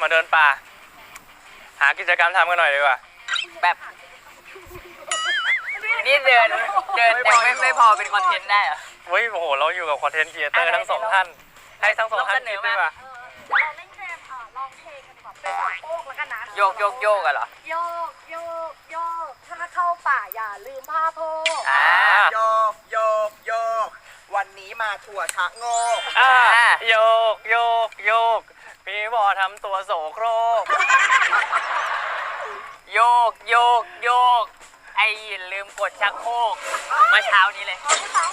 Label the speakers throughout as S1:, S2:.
S1: มาเดินป่าหากิจกรรมทำกันหน่อยดีกว่า
S2: แบบนี่เดินยังไม่พอเป็นคอนเทนต์ได้เหรอ
S1: เฮ้ยโอ้โหเราอยู่กับคอนเทนต์ครีเอเตอร์ทั้งสองท่านให้ทั้งสองท่านคิดด้วยว่า
S3: เราเล่นเกมลองเพลงกันก่อนเป็นสองโป๊กแล้วกันนะ
S2: โยกกันเหรอ
S3: โยกถ้าเข้าป่าอย่าลืมผ้าโพก
S4: โยกวันนี้มาถั่วชะโงก
S1: โยกพี่บอทำตัวโสโครก
S2: โยกไอ้ยินลืมกดชักโครกเมื่อเช้านี้เลย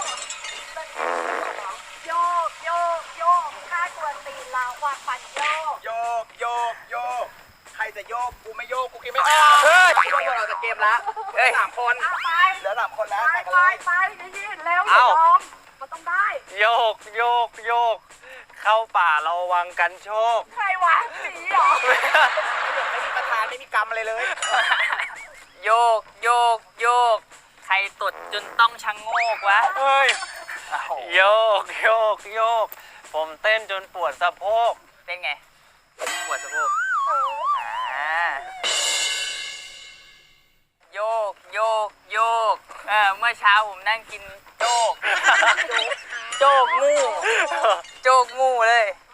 S3: โยกถ้ากวนตีนเราวางปั่นโย
S4: กใครจะโยกกูไม่โยกกูคิดไม่ออกเราจะเกมละ3 คนเหลือ3 คนแล้ว
S3: ไปยินแล้วอย่ายอมมันต้องได้
S1: โยกเข้าป่าเราวังกันโชค
S3: ใครวะสีหรอ
S4: ไม่มีประธานไม่มีกรรมอะไรเลย
S2: โยกใครตดจนต้องชังโงกวะ
S1: เฮ้ยโยกผมเต้นจนปวดสะโพก
S2: เต้นไงปวดสะโพกโยกเมื่อเช้าผมนั่งกินโจ๊กงูเลย